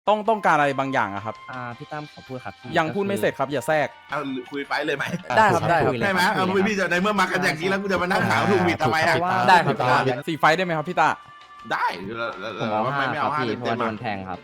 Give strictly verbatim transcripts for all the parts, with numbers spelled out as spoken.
ต้องต้องการอะไรบางอย่างอะครับอ่าพี่ตั้มขอพูดครับพี่ยังพูดไม่เสร็จครับอย่าแทรกเอาคุยไปเลยไหมได้ครับได้ครับใช่ไหมเอาพี่จะในเมื่อมากันอย่างนี้แล้วกูจะมานั่งถามถูกผิดทำไมอ่ะได้ครับสี่ไฟได้ไหมครับพี่ตาได้ผมเอาว่าห้าไม่คเอารับห้าพี่เพราะเต็ว่าม โดๆนแทงครับ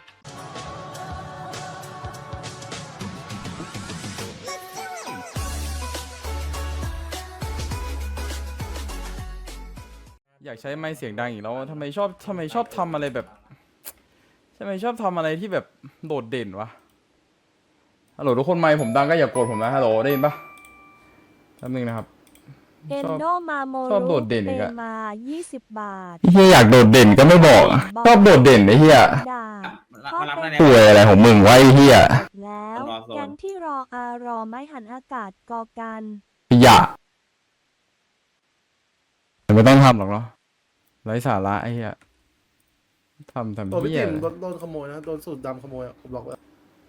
อยากใช้ไม้เสียงดังอีกแล้วทำไมชอบทำไมชอบทำอะไรแบบทำไมชอบทำอะไรที่แบบโดดเด่นวะฮัลโหลทุกคนไมค์ผมดังก็อย่าโกรธผมนะฮัลโหลได้ยินปะแป๊บนึงนะครับเอนโดมาโมชอบโดดเด่นอีกอะมายี่สิบบาทเฮียอยากโดดเด่นก็ไม่บอกชอบโดดเด่นไอ้เฮียด่าพ่อเป็นป่วยอะไรของมึงวะไอ้เฮียแล้วแกงที่รออารอไม่หันอากาศกอกันอย่าไม่ต้องทำหรอกเนาะไร้สาระไอ้เฮียทำทำตัวพี่เฮียติ๋มโดนโดนขโมยนะโดนสูตรดำขโมยอะผมบอกไว้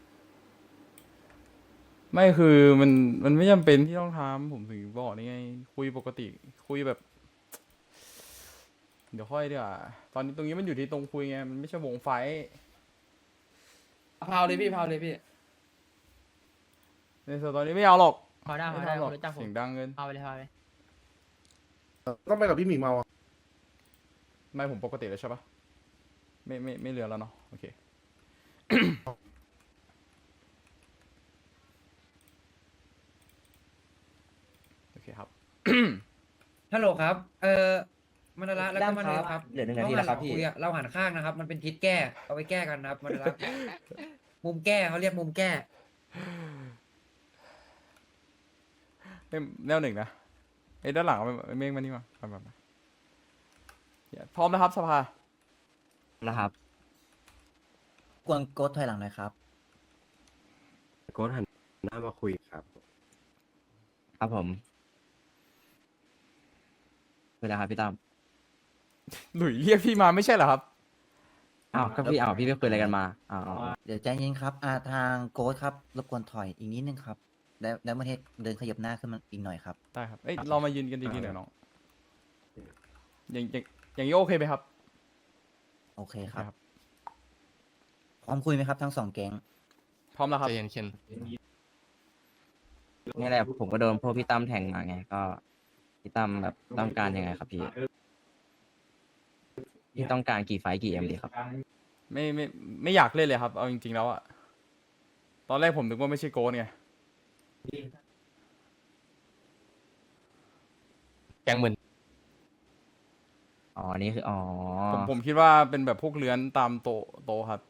ไม่คือมันมันไม่จำเป็นที่ต้องทำผมถึงบอกนี่ไง คุยปกติ คุยแบบ เดี๋ยวค่อยดีกว่าตอนนี้ตรงนี้มันอยู่ที่ตรงคุยไงมันไม่ใช่วงไฟท์พาวเลยพี่พาวเลยพี่ในส่วนตอนนี้ไม่เอาหรอกพาวได้ไม่พาวได้ทำหรอกผมรู้จักผมเสียงดังเกินพาวไปเลยพาวไปเลยต้องไปกับพี่หมีเมาอะไม่ผมปกติแล้วใช่ปะไม่ไม่ไม่เรือแล้วเนาะโอเค โอเคครับฮัลโหลครับ เอ่อมันละแล้วก็มันเลยครับเหลือหนึ่งนาทีแล้วครับพี่เาหันหลังยอะเราหันข้างนะครับ มันเป็นทิศแก้ เอาไปแก้กันนะครับมันละ มุมแก้เขาเรียกมุมแก้เอ้ยแนวหนึ่งนะไอ้ยด้านหลังเอาไปเมฆมานี่มามามามาเดี๋ยวพร้อมนะครับสภานะครับกวนโกดถอยหลังหน่อยครับโค้ชหันหน้ามาคุยครับครับผมเวลาครับพี่ตั้มหลุยเรียกพี่มาไม่ใช่เหรอครับอ้าวก็พี่อ้าวพี่ไปคุยอะไรกันมาอ้าวเดี๋ยวใจเย็นครับอาทางโกดครับรบกวนถอยอีกนิดนึงครับ แล้วแล้วเมื่อเทศเดินขยับหน้าขึ้นมาอีกหน่อยครับได้ครับ เอ้ยเรามายืนกันดีๆหน่อยน้องอย่างอย่างอย่างนี้โอเคไหมครับโอเคครับครับพร้อมคุยไหมครับทั้งสองแก๊งพร้อมแล้วครับใจเย็นเคนนี่แหละผมก็โดนพวกพี่ตั้มแทงมาไง ก็พี่ตั้มแบบต้องการยังไงครับพี่พี่ต้องการกี่ไฟล์กี่เอ็มดีครับไม่ไม่ไม่อยากเล่นเลยครับ เอาจริงๆแล้วอะตอนแรกผมนึกว่าไม่ใช่โกนไงแกงเหมือนอ๋อนี่คืออ๋อผมผมคิดว่าเป็นแบบพวกเลื้อนตามโตะโตะครับ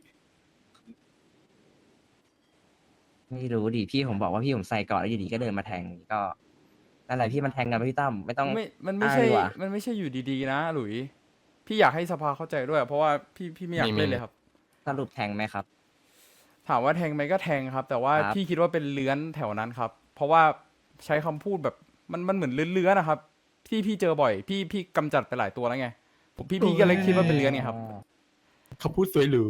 ไม่รู้ดิพี่ผมบอกว่าพี่ผมใส่ก่อนแล้วอยู่ดีก็เดินมาแทงก็นั่นแหละพี่มันแทงกันไปพี่ตั้มไม่ต้องไม่ มันไม่ใช่อ้างดีกว่ามันไม่ใช่อยู่ดีๆนะหลุย พี่อยากให้สภาเข้าใจด้วย เพราะว่าพี่พี่ไม่อยากเล่นเลยครับสรุปแทงไหมครับถามว่าแทงไหมก็แทงครับ แต่ว่าครับพี่คิดว่าเป็นเลื้อนแถวนั้นครับ เพราะว่าใช้คำพูดแบบมันมันเหมือนเลื้อนๆนะครับ ที่พี่เจอบ่อย พี่พี่กำจัดไปหลายตัวแล้วไงผมพี่พี่ก็เลยคิดว่าเป็นเลื้อนไงครับเขาพูดสวยหรู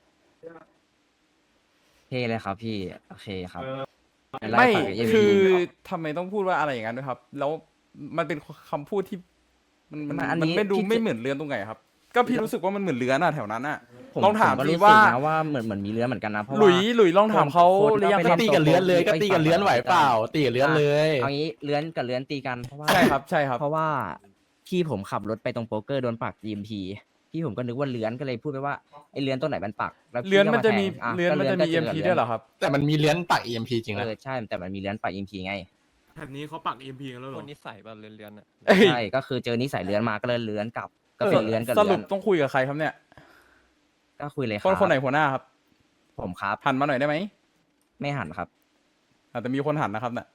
เท่เลยครับพี่โอเคครับปล่ไม่ฝั่ง เอ็มคืพีอทำไมต้องพูดว่าอะไรอย่างนั้นด้วยครับ แล้วมันเป็นคำพูดที่ มันมันมันอันมันนี้ไม่ดูพี่ไม่เหมือนเลื้อนตรงไหนครับ ก็พี่รู้สึกว่ามันเหมือนเลื้อนอะแถวนั้นอะผมลองถามผก็สิรู้สึกว่านะว่าเหมือนเหมือนมีเรือเหมือนกันนะเพราะหลุว่ายหลุยลองถามเขาโค้ดหรือยังไปครับเล่ตีกับเลื้อนเลยก็ตีกับเลื้อนไหวเปล่า ตีกับเลื้อนเลยเอางี้เลื้อนกับเลื้อนตีกันเพราะว่าใช่ครับใช่ครับเพราะว่าพี่ผมขับรถไปตรงโป๊กเกอร์โดนปัก อี เอ็ม พี พี่ผมก็นึกว่าเลื้อนก็เลยพูดไปว่าไอ้เลื้อนตัวไหนมันปักแล้วพี่เลื้อนมันก็าจะมีแทงอ่เลื้อนมันจะมีก็เอ็มก็พีจด้วยเหรอครับแต่มันมีเลื้อนปัก อี เอ็ม พี จริงเอนะอใช่แต่มันมีเลื้อนปัก อี เอ็ม พี ไงแถบนี้เขาปัก เอ็ม พี กันแล้วเหรคอนนิสัยแบบเลื้อนๆอ่ะเอ้ยใช่ก็คือเจอนิสัยเลื้อนมาก็เลยเลื้อนกลับ ก็เป็นเลื้อนกับสรุเลื้อปนต้องคุยกับใครครับเนี่ยก็คุยเลยคครับ นคนไหนหัวหน้าครับผมครับหันมาหน่อยได้ไหมไม่หันครับอาจจะมีคนหันนะครับเนี่ย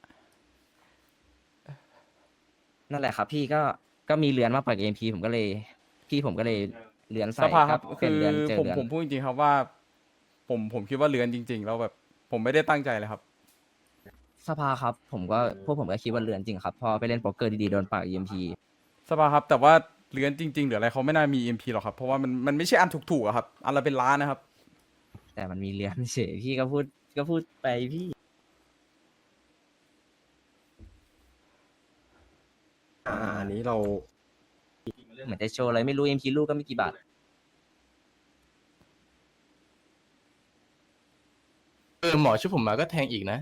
นั่นแหละครับ พี่ก็ก็มีเลื้อนมาปัก เอ็ม พี ผมก็เลย พี่ผมก็เลยเลื้อนใส่สภาครับเป็คืนอเลื้อนเจอผมเลื้อนผมพูดจริงๆครับว่า ผมผมคิดว่าเลื้อนจริง ๆ แล้วแบบ ผมไม่ได้ตั้งใจเลยครับสภาครับ ผมก็พวกผมก็คิดว่าเลื้อนจริงครับพอไปเล่นโป๊กเกอร์ดีๆโดนปัก อี เอ็ม พีสภาครับ แต่ว่าเลื้อนจริง ๆ หรืออะไรเขาไม่น่ามี เอ็ม พี หรอกครับ เพราะว่ามันมันไม่ใช่อันถูกๆอะครับ อันละเป็นล้านนะครับแต่มันมีเลื้อนเฉยพี่ก็พูดก็พูดไปพี่อ่าอันนี้เราเหมือนจะโชว์อะไรไม่รู้ เอ็ม พี ลูกก็ไม่กี่บาทอหมอช่วยผมมาก็แทงอีกนะ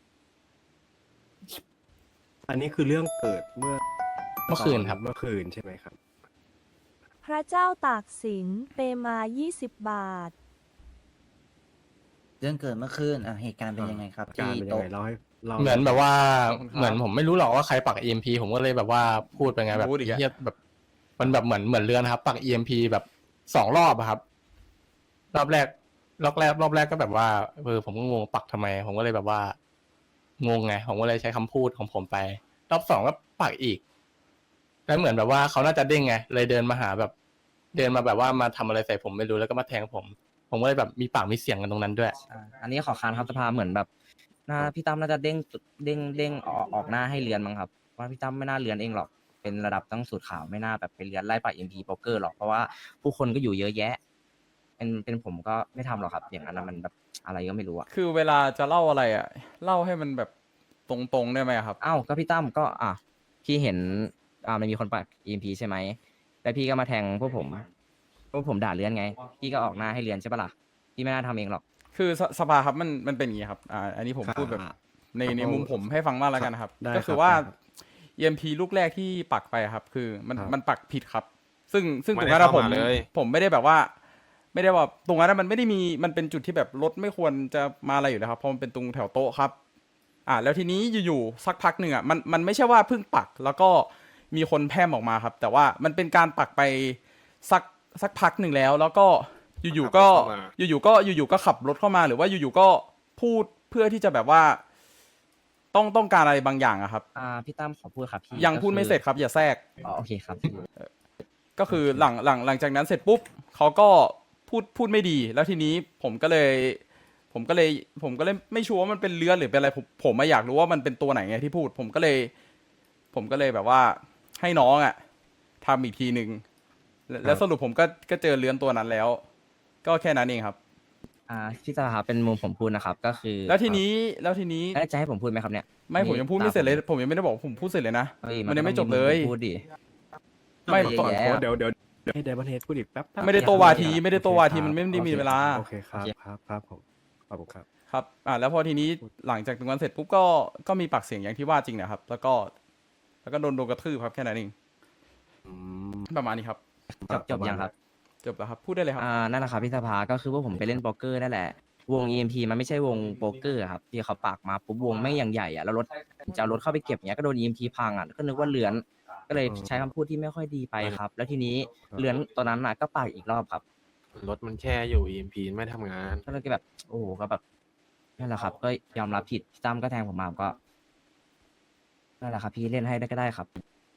อันนี้คือเรื่องเกิดเมื่อเมื่อคืนครับเมื่อคืนใช่ไหมครับพระเจ้าตากสินเปมา ยี่สิบ บาทเรื่องเกิดเมื่อคืนอ่ะเหตุการณ์เป็นยังไงครับการที่เป็นยังโต๊ะไงเล่าให้เล่าเหมือนแบบว่าขอบคุณครับเหมือนผมไม่รู้หรอกว่าใครปัก อี เอ็ม พี ผมก็เลยแบบว่าพูดไปไงแบบพูดอีกอะเฮียแบบ มันแบบเหมือนเหมือนเรือนนะครับ ปัก อี เอ็ม พี แบบสองรอบอะครับ รอบแรก รอบแรก รอบแรกก็แบบว่าเออผมก็งงปักทำไม ผมก็เลยแบบว่า งงไง ผมก็เลยใช้คำพูดของผมไป รอบสองก็ปักอีก แล้วเหมือนแบบว่าเขาน่าจะเด้งไง เลยเดินมาหาแบบ เดินมาแบบว่ามาทำอะไรใส่ผมไม่รู้แล้วก็มาแทงผม ผมก็เลยแบบมีปากมีเสียงกันตรงนั้นด้วยอ่าอันนี้ขอค้านครับสภาเหมือนแบบน่าพี่ตั้มน่าจะเด้งเด้งเด้งออกออกหน้าให้เรือนมั้งครับว่าพี่ตั้มไม่น่าเรือนเองหรอกเป็นระดับตั้งสูตรขาวไม่น่าแบบไปเรือนไล่ปะเอ็มพีโป๊กเกอร์หรอกเพราะว่าผู้คนก็อยู่เยอะแยะ เป็นเป็นผมก็ไม่ทำหรอกครับ อย่างนั้นนะมันแบบอะไรก็ไม่รู้อะคือเวลาจะเล่าอะไรอ่ะ เล่าให้มันแบบตรงๆได้ไหมครับเอ้าก็พี่ตั้มก็อ่ะพี่เห็นอ่ามันมีคนปักเอ็มพีใช่ไหมแล้วพี่ก็มาแทงพวกผมพวกผมด่าเรือนไง พี่ก็ออกหน้าให้เรือนใช่ปะล่ะพี่ไม่น่าทำเองหรอกคือสสภาครับมันมันเป็นอย่างนี้ครับอ่าอันนี้ผมพูดแบบอ่าในในมุมผมให้ฟังมากแล้วกันนะครับได้ก็คืครัอบ ว่าได้ครับเอ็มพีลูกแรกที่ปักไปครับ คือมันครับมันปักผิดครับ ซึ่งซึ่งไม่ตรงได้นั้นอะผมเข้ามาเลยผมไม่ได้แบบว่า ไม่ได้ว่าตรงนั้นอะมันไม่ได้มีมันเป็นจุดที่แบบรถไม่ควรจะมาอะไรอยู่นะครับเพราะมันเป็นตรงแถวโต๊ะครับ อ่าแล้วทีนี้อยู่ๆสักพักหนึ่งอ่ะมันมันไม่ใช่ว่าเพิ่งปักแล้วก็มีคนแพร่มออกมาครับ แต่ว่ามันเป็นการปักไปสักสักพักหนึ่งแล้ว แล้วก็อยู่ๆก็ขับรถเข้ามาอยู่ๆก็อยู่ๆก็ขับรถเข้ามาหรือว่าอยู่ๆก็พูดเพื่อที่จะแบบว่า ต้องต้องการอะไรบางอย่างอะครับอ่าพี่ตั้มขอพูดครับพี่ยังก็พูดไม่คือเสร็จครับ อย่าแทรกอ๋อโอเคครับก็คือหลังหลังหลังจากนั้นเสร็จปุ๊บเขาก็พูดพูดไม่ดี แล้วทีนี้ผมก็เลย ผมก็เลย ผมก็เลยไม่ชัวร์ว่ามันเป็นเลือดหรือเป็นอะไรผมผมไม่อยากรู้ว่ามันเป็นตัวไหนไงที่พูด ผมก็เลย ผมก็เลยแบบว่าให้น้องอ่ะทำอีกทีหนึ่งแล้วแล้วสรุปผมก็ก็เจอเลือนตัวนั้นแล้ว ก็แค่นั้นเองครับอ่าพี่สภาเป็นมุมผมพูดนะครับ ก็คือแล้วทีนี้แล้วทีนี้เอ้ยจะให้ผมพูดไหมครับเนี่ยไม่ผมยังพูดไม่เสร็จเลย ผมยังไม่ได้บอกว่าผมพูดเสร็จเลยนะเฮ้ยมันยังไม่จบต้อเลยมุมผมพูดดิไม่เยอะก่อนแยะโค้ดเดี๋ยวเดี๋ยวเดี๋ยวให้ไดมอนเฮดพูดอีกแป๊บๆไม่ได้โตวาทีไม่ได้โตวาทีโอเคมันไม่ได้มีครับเวลาโอเคครับครับครับผมขอบคุณครับครับ อ่า แล้วพอทีนี้หลังจากตรงนั้นเสร็จปุ๊บก็ ก็มีปากเสียงอย่างที่ว่าจริงนะครับ แล้วก็ แล้วก็โดนโดนกระทืบครับแค่นั้นเองอืมประมาณนี้ครับจบจบยังครับจบแล้วครับ พูดได้เลยครับอ่านั่นแหละครับพี่สภาก็คือว่าผมไปเล่นโป๊กเกอร์นั่นแหละ วง อี เอ็ม พี มันไม่ใช่วงโป๊กเกอร์อะครับที่เขาปากมาปุ๊บวงไม่งอย่างใหญ่อะแล้วรถจะเอารถเข้าไปเก็บเงี้ยก็โดน อี เอ็ม พี พังอะก็นึกว่าเลือนก็เลยใช้คำพูดที่ไม่ค่อยดีไปครับ แล้วทีนี้เลือนตอนนั้นน่ะก็ปากอีกรอบครับรถมันแช่อยู่ อี เอ็ม พี ไม่ทำงานก็เลยแบบ โอ้โหก็แบบนั่นแหละครับ ก็ยอมรับผิดพี่ตั้มก็แทงผมมาก็นั่นแหละครับ พี่เล่นให้ได้ก็ได้ครับ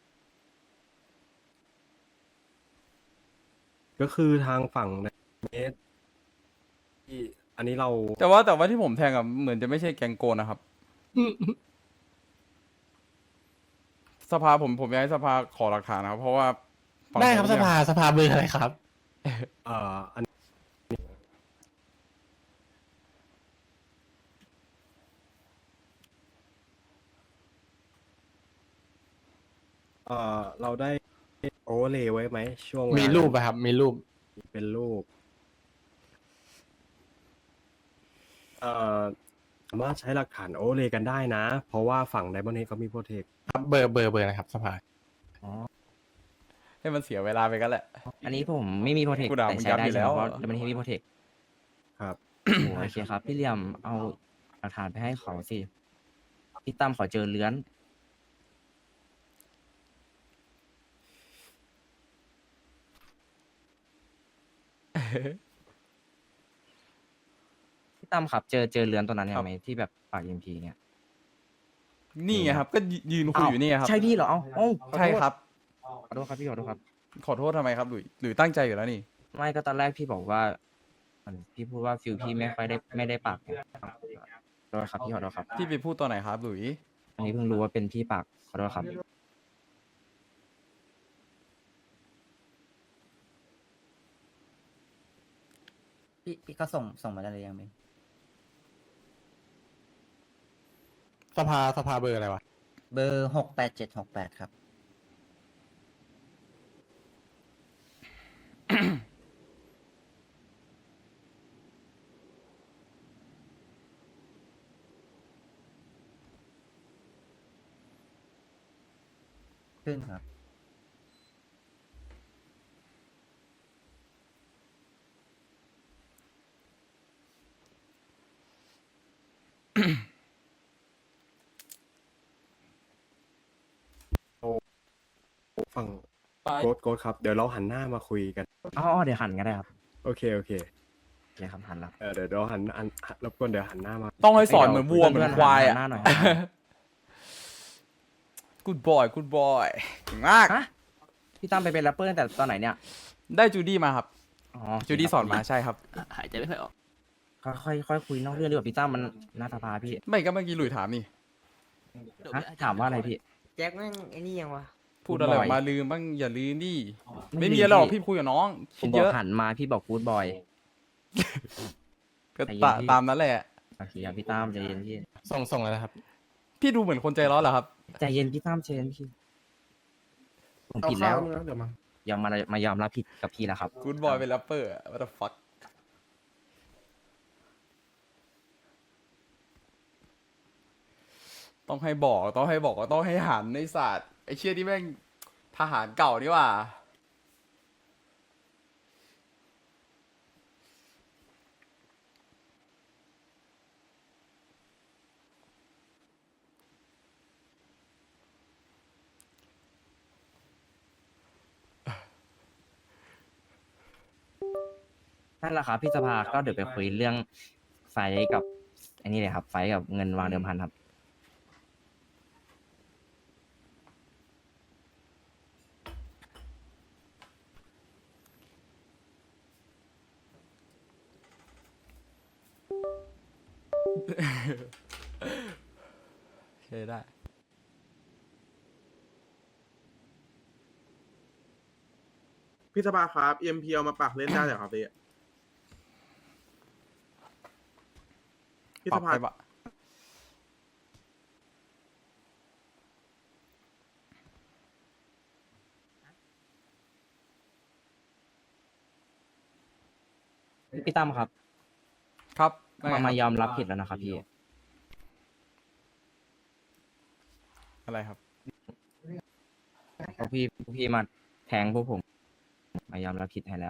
ก็คือทางฝั่งเนสที่อันนี้เราแต่ว่าแต่ว่าที่ผมแทงอะเหมือนจะไม่ใช่แกงโกนนะครับ สภาผมผมอยากให้สภาขอหลักฐานนะครับ เพราะว่าฝั่งได้ผมครับสเนี่ยภาสภาเบอร์อะไรครับเอ่ออันเอ่อเราได้โอเวอร์เลย์ไว้ไหมช่วงเวลามีรูปอะครับ มีรูปเป็นรูป เอ่อสามารถใช้หลักฐานโอเวอร์เลย์กันได้นะ เพราะว่าฝั่งไดมอนเฮดเขามีโปรเทคครับเบอร์เบอร์เบอร์นะครับ สภาให้มันเสียเวลาไปกันแหละอันนี้ผมไม่มีโปรเทคกูด่าแต่มึงใช้ยับได้อยู่ใช่ไหมแล้วเพราะมันไม่มีโปรเทคครับโอเคครับ พี่เหลี่ยมเอาหลักฐานไปให้เขาสิ พี่ตั้มขอเจอเลื้อน พี่ตั้มครับ เจอเจอเลื้อนตัวนั้นยังไหมที่แบบปากเอ็มพีเนี่ยนี่ไงครับ ก็ยืนคุยอยู่นี่ครับใช่พี่เหรอเอ้าเอ้าขอโทษใช่ครับขอโทษครับพี่ขอโทษครับขอโทษทำไมครับหลุยหรือตั้งใจอยู่แล้วนี่ไม่ก็ตอนแรกพี่บอกว่ามันพี่พูดว่าฟิลพี่ไม่ค่อยได้ไม่ได้ปากไงขอโทษครับพี่ขอโทษครับพี่ไปพูดตอนไหนครับหลุยอันนี้เพิ่งรู้ว่าเป็นพี่ปากขอโทษครับพี่พี่ก็ส่งส่งมาได้เลยยังไหมสภาสภาเบอร์อะไรวะเบอร์หกแปดเจ็ดหกแปดครับขึ้นครับฝั่งโกดโกดครับ เดี๋ยวเราหันหน้ามาคุยกันอ๋อเดี๋ยวหันก็ได้ครับโอเคโอเคโอเคครับหันแล้วเออเดี๋ยวเราหันหันหันรบกวนเดี๋ยวหันหน้ามาต้องให้สอนเหมือนวัวเหมือนควายอ่ะหน้าหน่อยกูดบอยกูดบอยเก่งมากฮะพี่ตั้มไปเป็นแรปเปอร์ตั้งแต่ตอนไหนเนี่ยได้จูดี้มาครับอ๋อจูดี้สอนมาใช่ครับหายใจไม่ค่อยออกค่อยค่อยคุยนอกเรื่องดีกว่าพี่ตั้มมันหน้าตาพาพี่ไม่ก็เมื่อกี้หลุยถามนี่ฮะถามว่าอะไรพี่แจ็คแม่งไอ้นี่ยังวะพูดอะไรออกมาลืมบ้างอย่าลืมดิไม่มีอะไรหรอกพี่คุยกับน้องผคิมดบเยอกอะหันมาพี่บอกกู๊ดบอยก็ใจเย็นตาพี่ตามนั้นแหละโอเคครับพี่ตั้มใจเย็นพี่ส่งส่งเลยนะครับพี่ดูเหมือนคนใจร้อนเหรอครับใจเย็นพี่ตั้มใจเย็นพี่ผมเอาผิดข้าแล้ว วมึงนะเดี๋ยวมายอมมามายอมรับผิดกับพี่แล้วครับกูดบอยเป็นแรปเปอร์ what the fuck ต้องให้บอกต้องให้บอกว่าต้องให้หันในศาสตร์ไอเชี่ยที่แม่งทหารเก่านี่หว่านั่นแหละครับพี่สภาก็เดี๋ยวไปคุยเรื่องไฟท์กับอันนี้เลยครับ ไฟท์กับเงินวางเดิมพันครับโอเคได้พี่สภาครับ เอ็ม พี เอามาปักเล่นได้เหรอครับพี่พี่ปรัสบภาไปปะพี่ตั้มครับครับมามายอมรับผิดแล้วนะครับพี่อะไรครับเพราะพี่พี่มาแทงพวกผม มายอมรับผิดให้แล้ว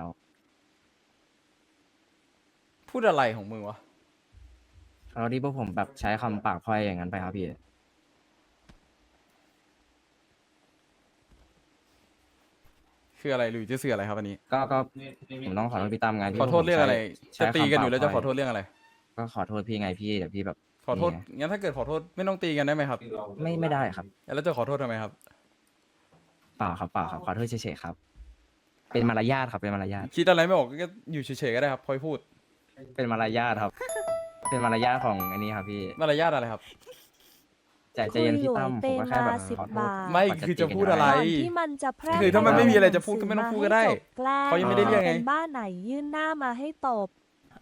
พูดอะไรของมึงวะแล้วที่พวกผมแบบใช้คำปากพร่อยอย่างนั้นไปครับพี่คืออะไรหรือจะเสืออะไรครับอันนี้ก็ก็ผมต้องขอโทษพี่ตั้มไงที่ขอโทษเรื่องอะไรใช้จะตีกันอยู่ใช้คำแล้วจะปาขอโทษเรื่องอะไรก็ขอโทษพี่ไงพี่เดี๋ยวพี่แบบขอโทษนี่ไงงั้นถ้าเกิดขอโทษไม่ต้องตีกันได้ไหมครับไม่ไม่ได้ครับแล้วจะขอโทษทำไมครับเปล่าครับเปล่าครับขอโทษเฉยๆครับ เป็นมารยาทครับเป็นมารยาทคิดอะไรไม่ออกก็อยู่เฉยๆก็ได้ครับพอยพูดเป็นมารยาทครับ เป็นมารยาทของอันนี้ครับพี่มารยาทอะไรครับใจใจเย็นพี่ตั้มคุผมยหวยก็แค่แบบเปมาสิบขอโทษบาทไม่ก่นคือจะตีกันพูดอะไรก่อนที่มันจะแพร่คือถ้ามันไม่มีอะไรจะพูดก็ไม่ต้องพูดก็ได้หนังสือมาให้จบแกล้งเขายังไม่ได้เรียกไงเป็นบ้านไหนยื่นหน้ามาให้ตบ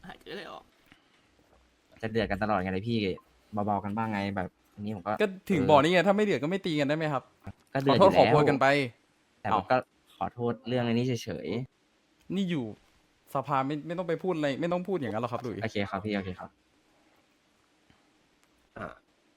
จะเดือดกันตลอดไงเลยพี่เบาๆกันบ้างไงแบบอันนี้ผมก็ก็ถึงบอกนี่ไงถ้าไม่เดือดก็ไม่ตีกันได้ไหมครับก็ขเดืออดโทษขยู่อแล้วโพยกันไปแต่ผมก็ขอโทษเรื่องอันนี้เฉยนี่อยู่สภาไม่ไม่ต้องไปพูดอะไรไม่ต้องพูดอย่างนั้นหรอกครับหลุยๆโอเคครับพี่โอเคครับอ่ะ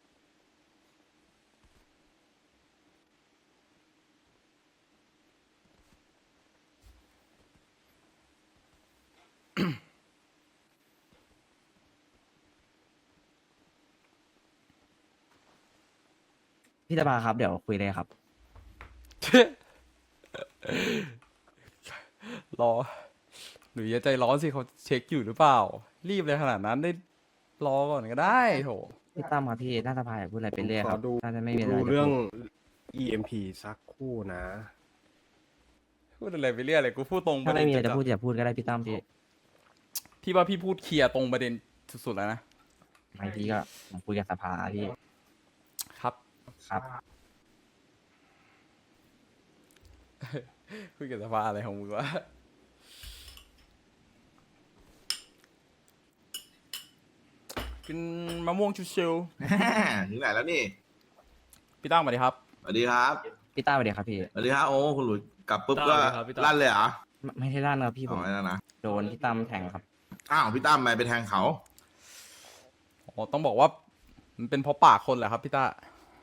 พี่ตาบาครับเดี๋ยวคุยเลยครับรอหรืออย่าใจร้อนสิเขาเช็คอยู่หรือเปล่า รีบเลยขนาดนั้นได้รอก่อนก็ได้โถพี่ตั้มครับพี่น่าจะพายพูดอะไรไปเรื่อยขคอรับดูน่าจะไม่มีอะไรดูจะเรื่องพูดอี เอ็ม พี สักครู่นะพูดอะไรไปเรื่อยอะไรกูพูดตรงปถ้าระเด็ไม่นมีอะไรจัจะดพูดอย่าพูดก็ได้พี่ตั้มพี่ๆพี่ว่าพี่พูดเคลียร์ตรงประเด็นสุดๆแล้วนะบางทีก็ผมคุยกับสภาพี่ครับครับคุยกับสภาอะไรของมึงวะกินมะม่วงชิวถึงไหนแล้วนี่ๆพี่ตั้งมาดิครับสวัสดีครับพี่ต้าสวัสดีครับพี่สวัสดีครับโอ้คุณหลุยกลับปุ๊บก็สวัสดีครับพี่ตั้มลั่นเลยเหรอไม่ไม่ได้ลั่นครับพี่ผอ๋อมไม่นั่นนะโดนพี่ตั้มแทงครับอ้าวพี่ตั้มไปไปแทงเขาอ๋อต้องบอกว่ามันเป็นเพราะปากคนแหละครับพี่ต้า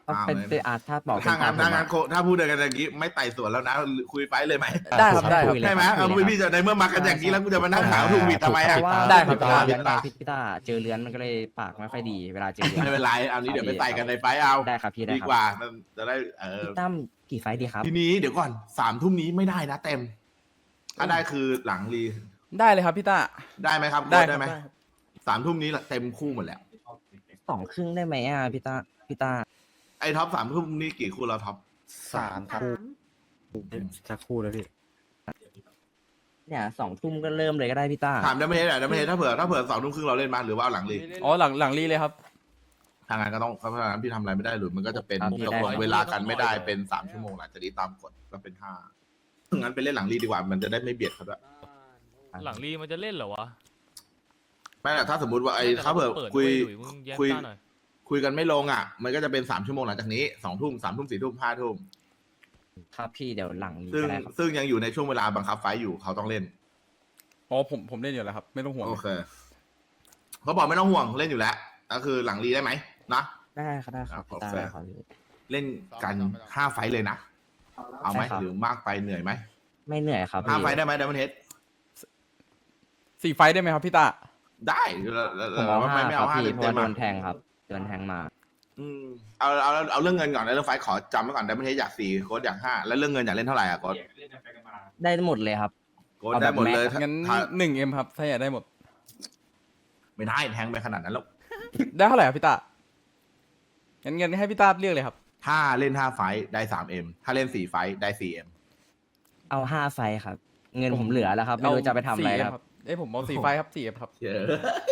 ก็เป็นเป็นอาถ้าบอกเป็ถ้าน งั้นตามผมถ้างั้อะนโคถ้าพูดกันอย่างนี้ไม่ไต่สวนแล้วนะคุยไฟเลยไหมได้ครับได้ครับคุยเลยใช่ไหมครับเอาคุยเลยพี่จะในเมื่อมากันอย่างนี้แล้วกูจะมานั่งหาถูกผิดทำไมเพอ่ะราะว่าได้ครับเวลาเลี้ยงได้ไงพี่พี่ต้าเจอเลื้อนมันก็เลยปากไม่ค่อยดีเวลาเจอเลื้อนไม่เป็นไรเอานี้เดี๋ยวไปใส่กันในไฟเอาได้ครับพี่ได้ดีครับกว่ามันจะได้เออพี่ตั้มกี่ไฟท์ดีครับทีนี้เดี๋ยวก่อนสามทุ่มนี้ไม่ได้นะเต็ม ถ้าได้คือหลังรีได้เลยครับพี่ต้าได้ไหมครับได้ได้ครับไหมได้ครับสามทุ่มนี้เต็มคู่หมดแล้วสองครึ่งได้ไหมอ่ะพี่ต้าพี่ต้าไอ้ท็อปสามทุ่มนี้กี่คู่เราท็อปสามครับสักครู่แล้วพี่เนี่ยสองทุ่มก็เริ่มเลยก็ได้พี่ต้าถามได้ไหมเนี่ยได้ไหมถ้าเผื่อถ้าเผื่อสองทุ่มครึ่งเราเล่นมาหรือว่าเอาหลังรีอ๋อหลังหลังรีเลยครับทางงานก็ต้องเพราะฉะนั้นพี่ทำอะไรไม่ได้หรือมันก็จะเป็นครับพี่ตกได้ลงเวลากันไม่ได้เป็นสามชั่วโมงหลังจากนี้ตามกฎก็เป็นห้างั้นไปเล่นหลังรีดีกว่ามันจะได้ไม่เบียดเขาด้วยหลังรีมันจะเล่นเหรอวะไม่แต่ถ้าสมมติว่าไอ้แต่ถ้าเผื่อปิดคุยเว้หลุมึงแย้มคุยต้าหน่อยคุยกันไม่ลงอ่ะ มันก็จะเป็นสามชั่วโมงหลังจากนี้สองทุ่มสามทุ่มสี่ทุ่มห้าทุ่มครับพี่เดี๋ยวหลังนี้ซึ่งก็ได้ครับซึ่งยังอยู่ในช่วงเวลาบังคับไฟท์อยู่เขาต้องเล่นอ๋อผมผมเล่นอยู่แล้วครับ ไม่ต้องห่วงโอเคเขาบอกไม่ต้องห่วงเล่นอยู่แล้วก็คือหลังรีได้ไหมนะได้ครับได้ครับพี่ต้าโอเคได้ครับพี่เล่นกันห้าไฟท์เลยนะเอาไหมได้ครับหรือมากไปเหนื่อยไหมไม่เหนื่อยครับห้าพี่ไฟท์ได้ไหมดัมเบิลเฮดสี่ไฟท์ได้ไหมครับพี่ต้าได้แล้วแล้วผมแล้วเอาทำไมห้าไม่ครัเอาบห้าพี่เต็มเพราะเต็ว่าม โดอ่ะนแทงครับโดนแทงมาอืมเอาเอาเอาเอาเรื่องเงินก่อนนะเรื่องไฟท์ขอจำไว้ก่อนดัมเบิลเฮดอยากสี่โค้ดอยากห้าแล้วเรื่องเงินอยากเล่นเท่าไหร่อ่ะโค้ดได้หมดเลยครับโค้ดเอาแบบได้หมดเลยแม็กซ์งั้นถ้าหนึ่งเอ็มครับถ้าอยากได้หมดไม่ได้แทงไปขนาดนั้นแล้วได้เท่าไหร่ครับพี่ต้างั้นงั้นให้พี่ต้าเลือกเลยครับถ้าเล่นห้าไฟท์ได้สามเอ็มถ้าเล่นสี่ไฟท์ได้สี่เอ็มเอาห้าไฟท์ครับ เงินผมเหลือแล้วครับ ไม่รู้จะไปทำอะไรสี่แล้วเอ็มครับเอ้ยผมเอาสี่ไฟท์ครับสี่เอ็มครับเยอะ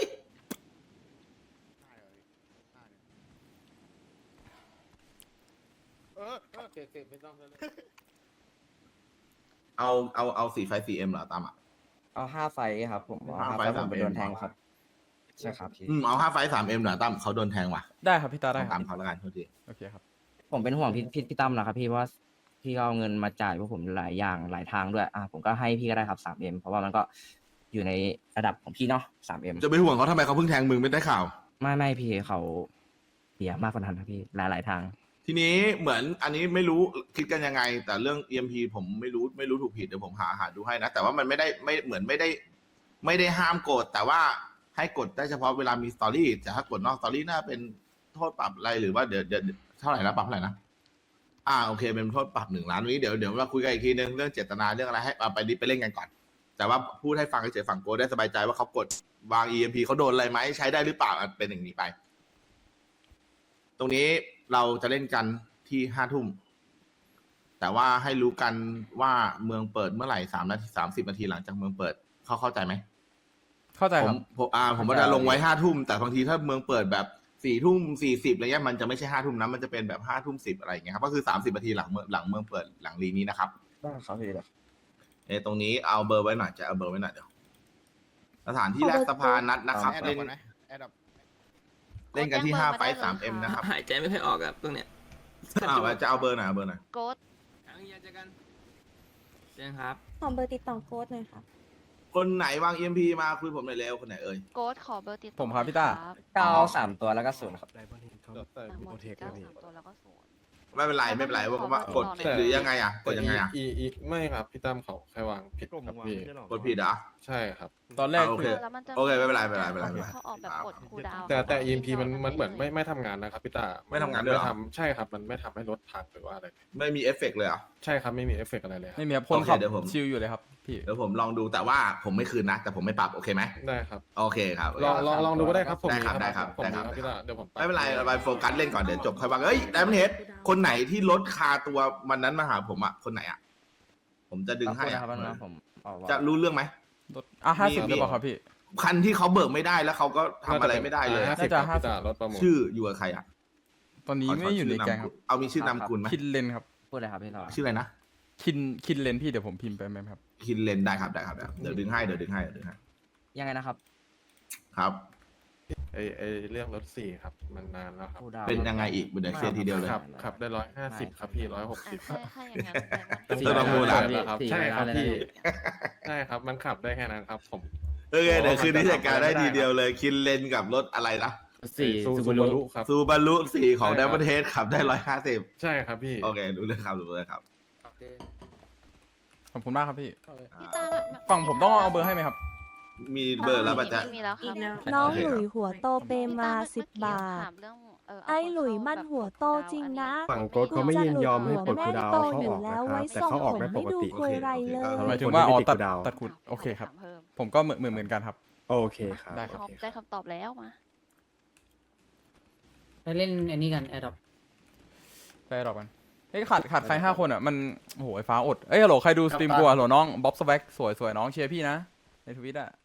เอาเอาเอาสี่ไฟสี่เอ็มเหรอตามอ่ะเอาห้าไฟท์ครับ ผมเอาห้าห้าไฟไฟท์ท์ผมไปสามเอ็มโดนแทงครับใช่ครับพี่อืมเอาห้าไฟสามเอ็มเหรอตั้มเขาโดนแทงว่ะได้ครับพี่ต้าได้คตารับมเขาแล้วกันโทษทีโอเคครับผมเป็นห่วงพี่พี่พี่ตั้มนะครับพี่เพราะว่าพี่ก็เอาเงินมาจ่ายพวกผมหลายอย่างหลายทางด้วยอ่ะผมก็ให้พี่ก็ได้ครับสามเอ็มเพราะว่ามันก็อยู่ในระดับของพี่เนาะสามเอ็มจะไปห่วงเขาทำไมเขาเพิ่งแทงมึงไม่ได้ข่าวไม่ไม่พี่เขาเสียมากกว่านั้นครับพี่หลายหลายทางทีนี้เหมือนอันนี้ไม่รู้คิดกันยังไง แต่เรื่อง อี เอ็ม พี ผมไม่รู้ไม่รู้ถูกผิดเดี๋ยวผมหาหาดูให้นะ แต่ว่ามันไม่ได้ไม่เหมือนไม่ได้ ไม่ได้ห้ามกด แต่ว่าให้กดได้เฉพาะเวลามีสตอรี่แต่ถ้ากดนอกสตอรี่น่าเป็นโทษปรับอะไรหรือว่าเดี๋ยวเดี๋ยวเท่าไหร่นะปรับเท่าไหร่นะอ่าโอเคเป็นโทษปรับหนึ่งล้านวันนี้เดี๋ยวเดี๋ยวมาคุยกันอีกทีนึงเรื่องเจตนาเรื่องอะไรให้เอาไปดิไปเล่นกันก่อน แต่ว่าพูดให้ฟังเฉยๆฝั่งโกได้สบายใจว่าเขากดวาง อี เอ็ม พี เขาโดนอะไรไหมใช้ได้หรือเปล่าอ่ะเป็นอย่างนี้ไป ตรงนี้เราจะเล่นกันที่ห้าทุ่มแต่ว่าให้รู้กันว่าเมืองเปิดเมื่อไหร่สามนาทีสามสิบนาทีหลังจากเมืองเปิดเขาเข้าใจไหมเข้าใจผครัมบผมอ่าผมว่าจะลงไว้ห้าทุ่มแต่บางทีถ้าเมืองเปิดแบบสี่ทุ่มสี่สิบอะไรเงี้ยมันจะไม่ใช่ห้าทุ่มนะมันจะเป็นแบบห้าทุ่มสิบอะไรอย่างเงี้ยครับก็คือสามสิบนาทีหลังเมืองหลังเมืองเปิดหลังรีนี้นะครับได้ครับพี่เออตรงนี้เอาเบอร์ไว้หน่อยจะเอาเบอร์ไว้หน่อยเดี๋ยวสถานที่แรกสภานัดนะครับเล่นเล่นกันที่ห้าไฟสามเอ็มนะครับหายใจไม่ค่อยออกครับตรงเนี้ยอ้าวจะเอาเบอร์ไหนเอาเบอร์ไหนโกดเจอกันเจอกันครับขอเบอร์ติดต่อโกดหน่อยครับคนไหนวาง อี เอ็ม พี มาคุยผมหน่อยเร็วคนไหนเอ่ยโกดขอเบอร์ติดต่อผมครับพี่ต้าเก้าสามตัวแล้วก็ศูนย์ครับได้บอลเฮดเขาทั้งหมโปรดเทคเก้าแล้วนี่สามตัวแล้วก็ศูนย์ไม่เป็นไรไม่เป็นไรว่าว่ากดแต่หรือยังไงอ่ะกดยังไงอ่ะอีอีไม่ครับพี่ตั้มเขาแค่วางผิดครับพี่กดผิดเหรอ่ะใช่ครับตอนแรกอ่าโอเคแล้วมันจะโอเคไม่เป็นไรไม่เป็นไรไม่เป็นไรไม่เป็นไรเขาออกแบบกดคูลดาวน์แต่แต่ อี เอ็ม พี มันมันเหมือนไม่ไม่ทำงานนะครับพี่ตาไม่ทำงานด้วยเหรอไม่ทำใช่ครับ มันไม่ทำให้รถพังหรือว่าอะไรไม่มีเอฟเฟกต์เลยเหรอ่ะใช่ครับไม่มีเอฟเฟกต์อะไรเลยครับไม่มีครับคนขับโอเคเดี๋ยวผมชิลอยู่เลยครับพี่เดี๋ยวผมลองดูแต่ว่าผมไม่คืนนะ แต่ผมไม่ปรับโอเคไหมได้ครับโอเคครับลองลองลองดูก็ได้ครับผมได้มีครับได้ครับผมได้มีครับพี่ตาเดี๋ยวผมไม่เป็นไรเราไปโฟกัสเล่นก่อนเดี๋ยวจบค่อยว่าเอ้ยไดมอนเฮดคนไหนที่ลดคาตัววันนั้นมาหาผมอ่ะคนไหนอ่ะผมจะดึงให้ขอ่ะอบคุณนะครับผมเอาไว้จะรู้เรื่องไหมรถอ่ะห้าสิบมีได้ป่ะครับพี่คันที่เขาเบิกไม่ได้แล้วเขาก็ทำอะไรไม่ได้เลยห้าสิบน่าจะครับพี่ตารถประมูลชื่ออยู่กับใครอ่ะตอนนี้ไม่อยู่ในแกงครับเอามีชื่อนามคุณไหมคินเลนครับพูดเลยครับพี่ต่อชื่ออะไรนะคินคินเลนพี่เดี๋ยวผมพิมพ์ไปไหมครับคินเลนได้ครับได้ครับได้ครับเดี๋ยวดึงให้เดี๋ยวดึงให้เดี๋ยวดึงให้ยังไงนะครับครับไอไอเรื่องรถสี่ครับมันนานแล้วครับคูลดาวน์เป็นยังไงอีกเดี๋ยวเคลียร์ทีเดียวเลยขับขับได้ร้อยห้าสิบครับพี่ร้อยหกสิบอ่ะถ้าถ้าอย่างนั้นแต่มันเออประมูลอะครับสี่ใช่ครับเลยนะพี่ใช่ครับมันขับได้แค่นั้นครับผมโอเคเดี๋ยวคืนนี้จัดการได้ทีเดียวเลยคินเลนกับรถอะไรนะสี่ซูซูซูบาบารุรุครับซูบารุสี่ของใช่ไดครับมอนเฮดขับได้ร้อยห้าสิบใช่ครับพี่โอเครู้เลยครับรู้เลยครับขอบคุณมากครับพี่อ่าฝั่งผมต้องเอาเบอร์ให้ไหมครับมีเบอร์แล้วป่ะจ๊ะมีแล้วครับน้องโอเคหครับลุยหัวโตเปมาสิบบาท ไอ้หลุยมันหัวโตจริงนะฝั่งโกดเขาไม่ยินยอมให้ปลดคูลดาวน์เขาออกแม่นะงโตอยู่แล้วคไว้รับแต่ส่งเขาออกผมได้ปไม่กดูติคุยไรเลโอเคหมายยถึงว่าอ๋อคนที่ตัดไม่ติดคูลดาวน์ตัดขุดโอเคครับถามเพิ่มผมก็เหมือนเหมือนเหมือนกันครับโอเคครับได้ครับโอเคได้คำตอบแล้วมาไปเล่นอันนี้กันแอดดอปไปรอบกันเฮ้ยขาดขาดใครห้าคนอ่ะมันโอ้โหไอ้ฟ้าอดเอ้ยฮัลโหลใครดูสตรีมกูอ่ะฮัลโหลน้องบ๊อบสแว็กสวยสวยน้องเชียร์พี่นะในทวิตอ่ะ